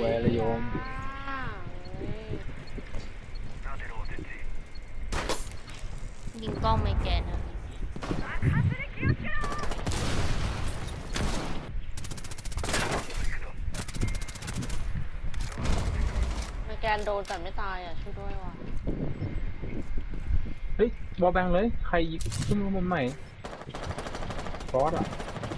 วยระยมยิงกล้องไม่แกนนะไม่แกนโดนแต่ไม่ตายอ่ะช่วยด้วยว่ะเฮ้ยบอลแบงเลยใครยิงขึ้นมาบนใหม่ฟอสอ่ะ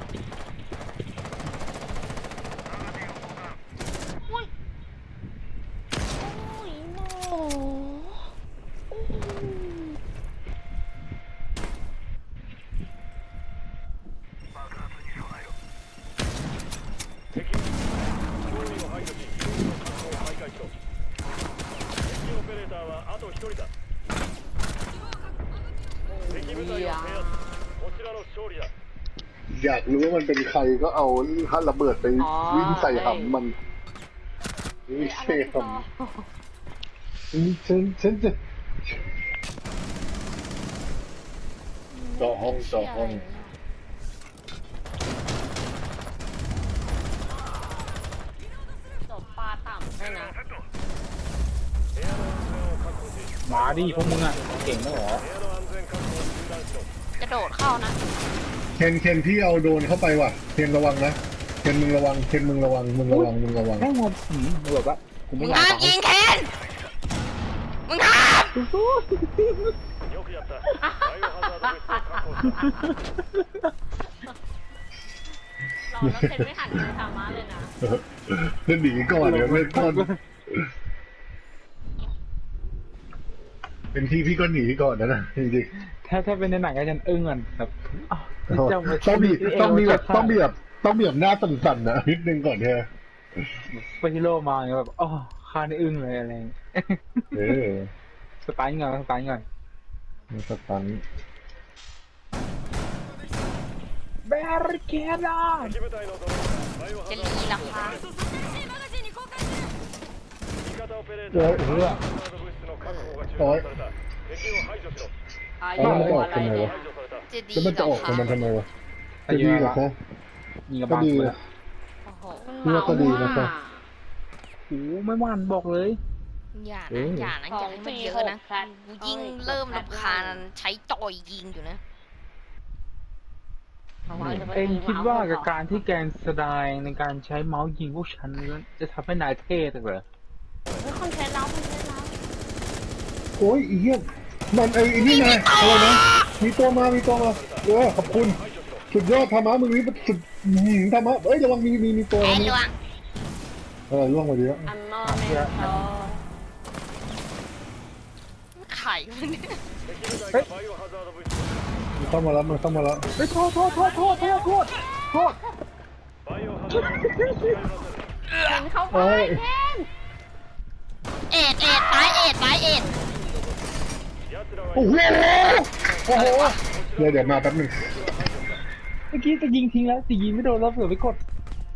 อยากรู้ว่ามันเป็นใครก็เอาถ้าระเบิดไปวิ่งใส่หำมันไม่ใช่หำฉันจะจ่อห้องจบปลาต่ำให้นะมาดิพวกมึงอ่ะเก่งแล้วเหรอกระโดดเข้านะเคนที่เอาโดนเข้าไปว่ะเคนระวังนะเคนมึงระวังให้งบแบบว่ามึงห้ามยิงเคนมึงห้ามเราแล้วเคนไม่หันมือทำมาเลยนะเล่นหนีก่อนเนี่ยไม่ต้นเป็นพี่ก็หนีก่อนนะจริงๆถ้าเป็นในหนังก็จะอึ้งกันแบบต้องแบบหน้าสั่นๆนะนิดนึงก่อนเถอะไปที่โลมาอย่างแบบอ๋อข้านี่อึ้งเลยอะไรสไตล์ก่อนสไตล์แบริเคดาจะลีหลังคาโอ้ยมันจะออกทำไมวะแล้วมันจะออกของมันทำไมวะจะดีเหรอคะก็ดีเลยนี่ก็ดีนะครับโอ้ไม่หวานบอกเลยอย่านะอย่าให้มันเยอะนะกูยิ่งเริ่มรำคาญใช้จอยยิงอยู่นะเอ็งคิดว่ากับการที่แกนแสดงในการใช้เมาส์ยิงพวกฉันจะทำให้นายเท่เหรอคอนเทนต์เราโอ้ยอีเหี้ยมันไอ้นี่ไงอะไรนะมีตัวมาขอบคุณสุดยอดธรรมะมึงนี่สุดธรรมะเอ้ยระวังมีตัวนี่ล่วงมาดีแล้วไข่มันมันเข้ามาแล้วเฮ้ยโทษเข้าไปเอ็ดตายเอ็ดโอ้โหเดี๋ยวมาแป๊บนึงเมื่อกี้จะยิงทิ้งแล้วจะยิงไม่โดนแล้วเผื่อไปกด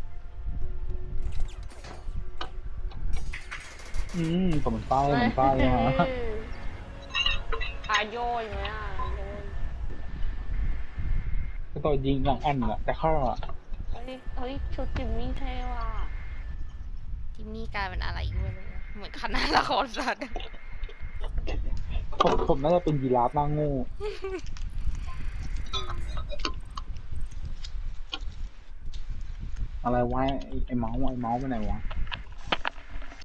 ผมมันป้ายมาโยยไหมก็ต่อยิงหลังอันแหละแต่เข้าอ่ะเฮ้ยชุดจิมมี่เท่ว่ะจิมมี่กลายเป็นอะไรอยู่เลยเหมือนคณะละครสัตว์ผมน่าจะเป็นยีราฟหน้าโง่อะไรวะไอ้เมาส์ไปไหนวะ